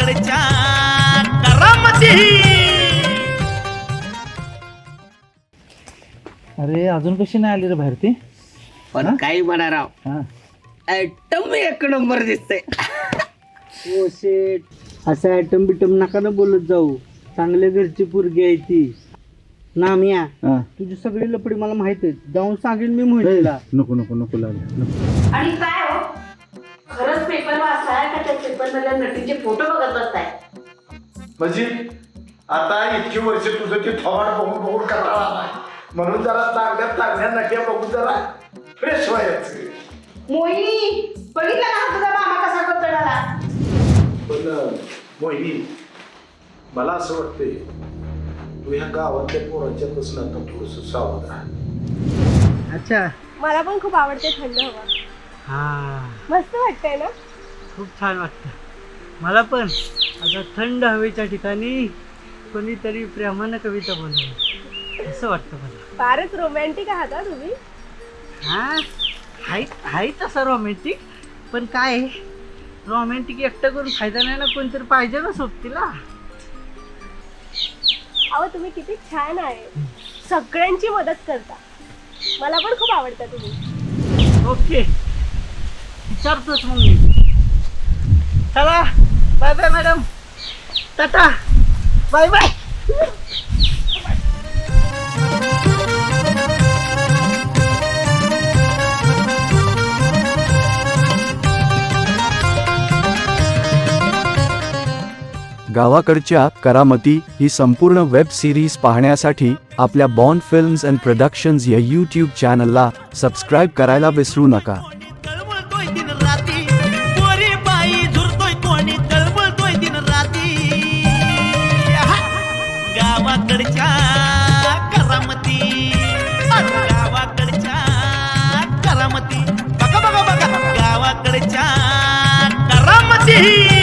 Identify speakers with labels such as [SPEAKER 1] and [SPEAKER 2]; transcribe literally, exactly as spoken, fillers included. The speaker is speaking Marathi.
[SPEAKER 1] गावाकडच्या करामती.
[SPEAKER 2] अरे अजून कशी नाही आली रे बाहेर ती?
[SPEAKER 3] पण काही म्हणा राव,
[SPEAKER 2] हा
[SPEAKER 3] ऍटम एक नंबर दिसतंय. ओ शेट, असं ऍटम बिटम नका ना बोलत जाऊ. चांगल्या घरची पोरगी आहे ती. नामिया,
[SPEAKER 2] हा.
[SPEAKER 3] तुझी सगळी लपडी मला माहित आहे. जाऊन सांगेन मी मोहिनीला.
[SPEAKER 2] नको नको नको लागले.
[SPEAKER 4] आणि काय हो, खरंच पेपर वाचताय का त्या पेपर मधल्या नटीचे फोटो बघत बसताय?
[SPEAKER 5] म्हणजे आता इतकी वर्ष तुझं ते थोबाड बघून बघून कंटाळा आलाय, म्हणून जरा चांगल्या चांगल्या नट्या बघून जरा फ्रेश व्हायचं.
[SPEAKER 4] मोहिनी, बघितलं ना तुझा मामा कसा करतोय?
[SPEAKER 5] पण मोहिनी, मला असं वाटतंय तू ह्या गावातल्या पोरांच्या पासून आता थोडस सावध राहा.
[SPEAKER 3] अच्छा,
[SPEAKER 6] मला पण खूप आवडते थंड हवा.
[SPEAKER 3] हा,
[SPEAKER 6] मस्त वाटतंय ना?
[SPEAKER 3] खूप छान वाटतं मला पण. आता थंड हवेच्या ठिकाणी कोणीतरी प्रेमानं कविता बोलावी असं वाटतं मला.
[SPEAKER 6] फारच रोमॅन्टिक आहात हा तुम्ही.
[SPEAKER 3] हा, हाय हाय तसा रोमॅन्टिक, पण काय रोमॅन्टिक एकटं करून फायदा नाही ना, कोणतरी पाहिजे ना सोबतीला.
[SPEAKER 6] अहो तुम्ही किती छान आहे, सगळ्यांची मदत करता. मला पण खूप आवडता तुम्ही.
[SPEAKER 3] ओके, विचारतोच मग मी. चला, bye bye madam, tata, bye bye.
[SPEAKER 7] गावाकडच्या करामती ही संपूर्ण वेब सिरीज पाहण्यासाठी आपल्या बॉन्ड फिल्म्स अँड प्रोडक्शन्स या यूट्यूब चॅनलला सबस्क्राईब करायला विसरू नका.
[SPEAKER 1] तळमळतोय दिन राती, पोरी बाई झुरतोय कोणी तळमळतोय दिन राती. गावाकडच्या करामती, गावाकडच्या करामती, बघा बघा बघा गावाकडच्या करामती.